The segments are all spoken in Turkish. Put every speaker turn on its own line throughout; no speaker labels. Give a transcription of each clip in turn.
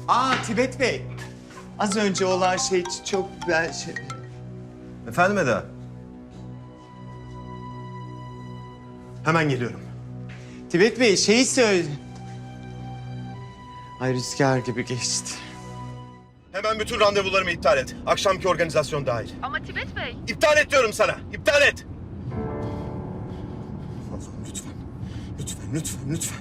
Tibet Bey. Az önce olan şey çok güzel şey.
Efendim Eda?
Hemen geliyorum. Tibet Bey şeyi söyle. Ay rüzgar gibi geçti.
Hemen bütün randevularımı iptal et. Akşamki organizasyon dahil.
Ama Tibet Bey.
İptal et diyorum sana. İptal et. Allah'ım lütfen. Lütfen.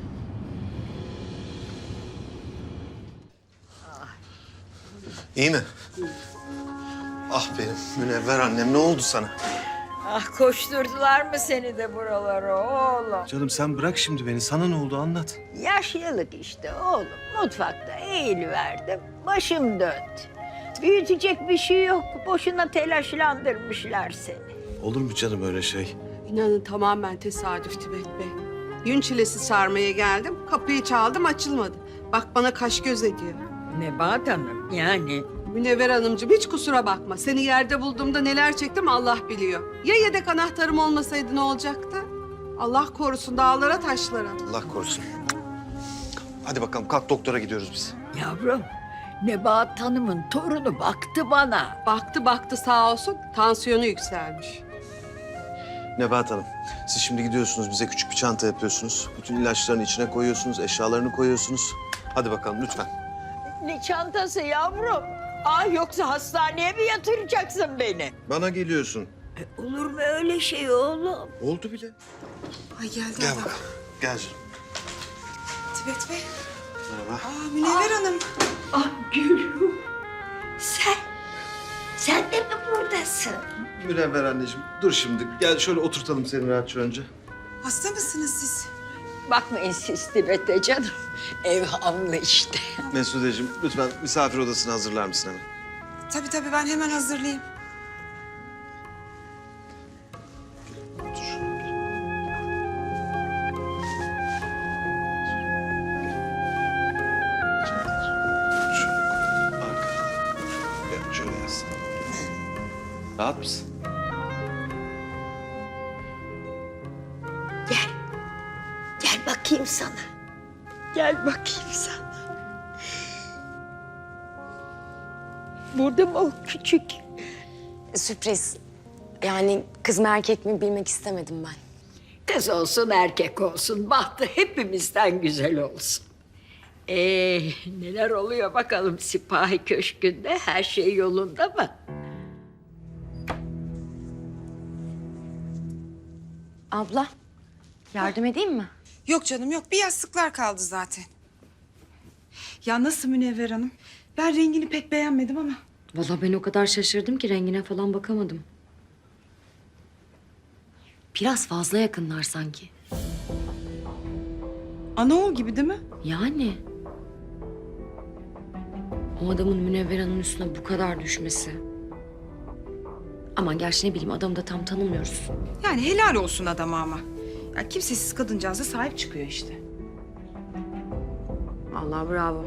İyi mi? Ah benim Münevver annem, ne oldu sana?
Ah koşturdular mı seni de buralara oğlum?
Canım sen bırak şimdi beni. Sana ne oldu anlat.
Yaşlılık işte oğlum. Mutfakta eğiliverdim. Başım döndü. Büyütecek bir şey yok. Boşuna telaşlandırmışlar seni.
Olur mu canım öyle şey?
İnanın tamamen tesadüf Tibet Bey. Yün çilesi sarmaya geldim. Kapıyı çaldım, açılmadı. Bak bana kaş göz ediyor.
Nebahat Hanım yani.
Münevver Hanımcığım hiç kusura bakma. Seni yerde bulduğumda neler çektim Allah biliyor. Ya yedek anahtarım olmasaydı ne olacaktı? Allah korusun dağlara taşlara.
Allah korusun. Hadi bakalım kalk, doktora gidiyoruz biz.
Yavrum, Nebahat Hanım'ın torunu baktı bana.
Baktı sağ olsun tansiyonu yükselmiş.
Nebahat Hanım, siz şimdi gidiyorsunuz, bize küçük bir çanta yapıyorsunuz. Bütün ilaçlarını içine koyuyorsunuz, eşyalarını koyuyorsunuz. Hadi bakalım lütfen.
Ne çantası yavrum? Ah yoksa hastaneye mi yatıracaksın beni?
Bana geliyorsun.
Olur mu öyle şey oğlum?
Oldu bile.
Ay geldi
Gel
adam.
bakalım. Gel canım.
Tibet Bey.
Merhaba.
Münevver Hanım.
Ah Gülüm. Sen de mi buradasın?
Münevver anneciğim, dur şimdi. Gel şöyle oturtalım seni rahatça önce.
Hasta mısınız siz?
Bakmayın siz Tibet'e canım. Ev hamlı işte.
Mesudeciğim, lütfen misafir odasını hazırlar mısın hemen?
Tabii ben hemen hazırlayayım.
Otur. Şöyle arkada. Gel şöyle yaslan. Rahat mısın?
Gel bakayım sana. Gel bakayım sana. Burada mı o küçük?
Sürpriz. Yani kız mı erkek mi bilmek istemedim ben.
Kız olsun erkek olsun. Bahtı hepimizden güzel olsun. Neler oluyor bakalım Sipahi Köşkü'nde? Her şey yolunda mı?
Abla, yardım edeyim mi?
Yok canım yok. Bir yastıklar kaldı zaten. Ya nasıl Münevver Hanım? Ben rengini pek beğenmedim ama.
Vallahi ben o kadar şaşırdım ki rengine falan bakamadım. Biraz fazla yakınlar sanki.
Anaoğul gibi değil mi?
Yani. O adamın Münevver Hanım'ın üstüne bu kadar düşmesi. Aman gerçi ne bileyim adamı da tam tanımıyoruz.
Yani helal olsun adama ama. Ya kimsesiz kadıncağıza sahip çıkıyor işte.
Vallahi bravo.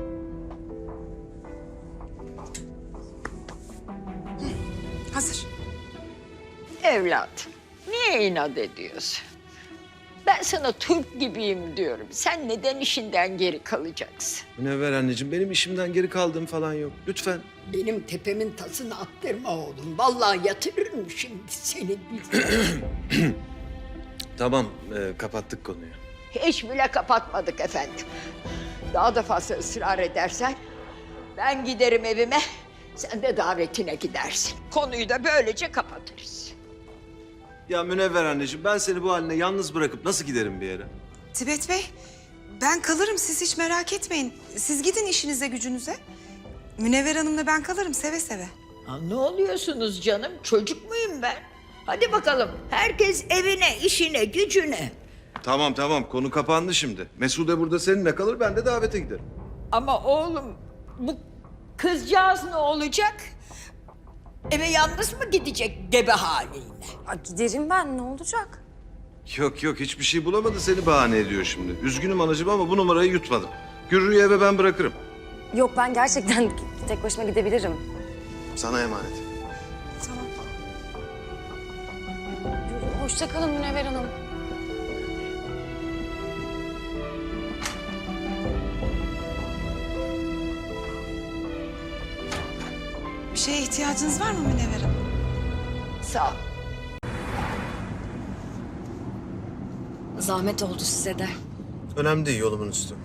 Hazır.
Evladım, niye inat ediyorsun? Ben sana Türk gibiyim diyorum. Sen neden işinden geri kalacaksın?
Münevver anneciğim, benim işimden geri kaldığım falan yok. Lütfen.
Benim tepemin tasını attırma oğlum. Vallahi yatırırım şimdi seni.
Tamam, kapattık konuyu.
Hiç bile kapatmadık efendim. Daha da fazla ısrar edersen ben giderim evime, sen de davetine gidersin. Konuyu da böylece kapatırız.
Ya Münevver anneciğim, ben seni bu haline yalnız bırakıp nasıl giderim bir yere?
Tibet Bey, ben kalırım. Siz hiç merak etmeyin. Siz gidin işinize gücünüze. Münevver Hanım'la ben kalırım seve seve.
Ha, ne oluyorsunuz canım? Çocuk muyum ben? Hadi bakalım. Herkes evine, işine, gücüne.
Tamam, konu kapandı şimdi. Mesude burada seninle kalır, ben de davete giderim.
Ama oğlum bu kızcağız ne olacak? Eve yalnız mı gidecek gebe haliyle?
Giderim ben ne olacak?
Yok, hiçbir şey bulamadı, seni bahane ediyor şimdi. Üzgünüm anacığım ama bu numarayı yutmadım. Gürrü'yü eve ben bırakırım.
Yok ben gerçekten tek başıma gidebilirim.
Sana emanet.
Tamam.
Hoşça kalın Münevver Hanım.
şeye ihtiyacınız var mı Münevver Hanım?
Sağ ol.
Zahmet oldu size de.
Önemli değil, yolumun üstü.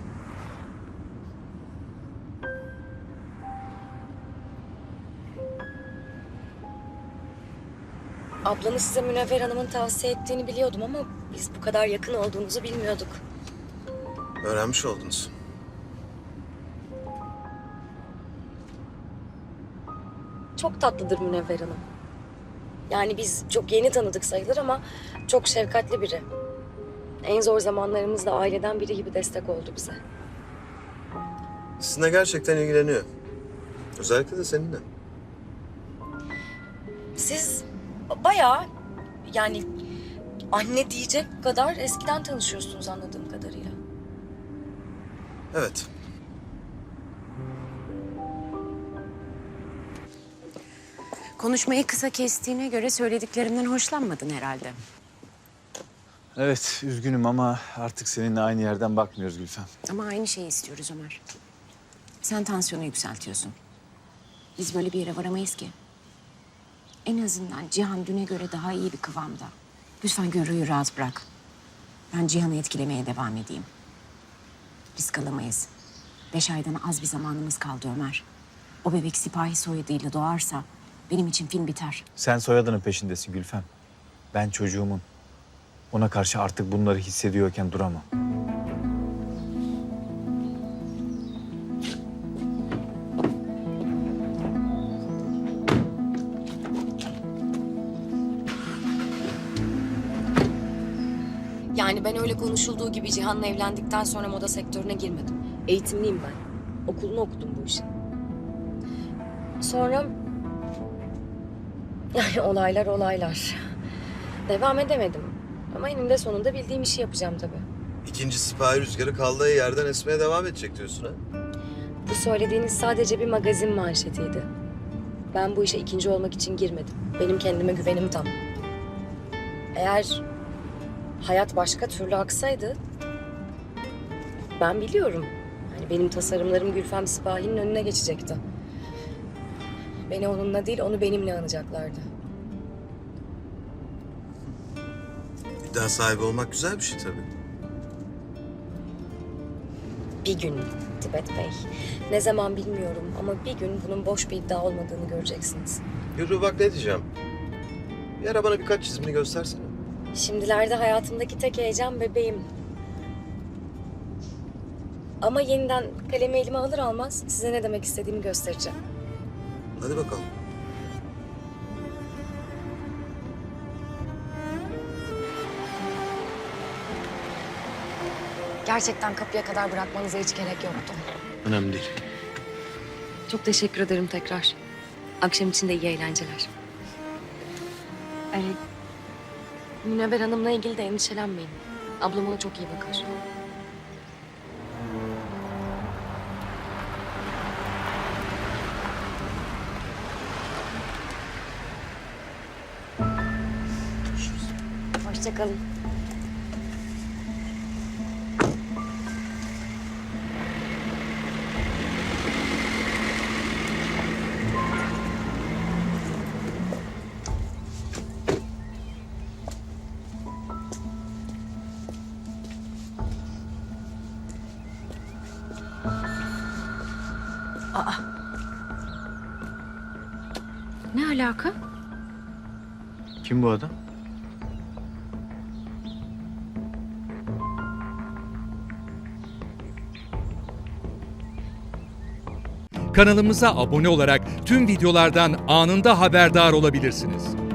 Ablanız size Münevver Hanım'ın tavsiye ettiğini biliyordum ama biz bu kadar yakın olduğunuzu bilmiyorduk.
Öğrenmiş oldunuz.
Çok tatlıdır Münevver Hanım. Yani biz çok yeni tanıdık sayılır ama çok şefkatli biri. En zor zamanlarımızda aileden biri gibi destek oldu bize.
Sizinle gerçekten ilgileniyor. Özellikle de seninle.
Siz bayağı yani anne diyecek kadar eskiden tanışıyorsunuz anladığım kadarıyla.
Evet.
Konuşmayı kısa kestiğine göre söylediklerimden hoşlanmadın herhalde.
Evet, üzgünüm ama artık seninle aynı yerden bakmıyoruz Gülfem.
Ama aynı şeyi istiyoruz Ömer. Sen tansiyonu yükseltiyorsun. Biz böyle bir yere varamayız ki. En azından Cihan düne göre daha iyi bir kıvamda. Lütfen Gürrü'yü rahat bırak. Ben Cihan'ı etkilemeye devam edeyim. Risk alamayız. 5 aydan az bir zamanımız kaldı Ömer. O bebek sipahi soyadıyla doğarsa benim için film biter.
Sen soyadının peşindesin Gülfem. Ben çocuğumun. Ona karşı artık bunları hissediyorken duramam.
Yani ben öyle konuşulduğu gibi Cihan'la evlendikten sonra moda sektörüne girmedim. Eğitimliyim ben. Okulunu okudum bu işin. Sonra... Yani olaylar. Devam edemedim. Ama eninde sonunda bildiğim işi yapacağım tabii.
İkinci sipahi rüzgarı kaldığı yerden esmeye devam edecek diyorsun ha?
Bu söylediğiniz sadece bir magazin manşetiydi. Ben bu işe ikinci olmak için girmedim. Benim kendime güvenim tam. Eğer hayat başka türlü aksaydı... Ben biliyorum. Hani benim tasarımlarım Gülfem Sipahi'nin önüne geçecekti. Beni onunla değil, onu benimle anacaklardı.
İddia sahibi olmak güzel bir şey tabii.
Bir gün Tibet Bey. Ne zaman bilmiyorum ama bir gün bunun boş bir iddia olmadığını göreceksiniz.
Yürü bak ne diyeceğim. Bir ara bana birkaç çizimini göstersene.
Şimdilerde hayatımdaki tek heyecan bebeğim. Ama yeniden kalemi elime alır almaz size ne demek istediğimi göstereceğim.
Hadi bakalım.
Gerçekten kapıya kadar bırakmanıza hiç gerek yoktu.
Önemli değil.
Çok teşekkür ederim tekrar. Akşam için de iyi eğlenceler. Münevver Hanım'la ilgili de endişelenmeyin. Ablam ona çok iyi bakar. Hoşça kalın.
Ne alaka?
Kim bu adam?
Kanalımıza abone olarak tüm videolardan anında haberdar olabilirsiniz.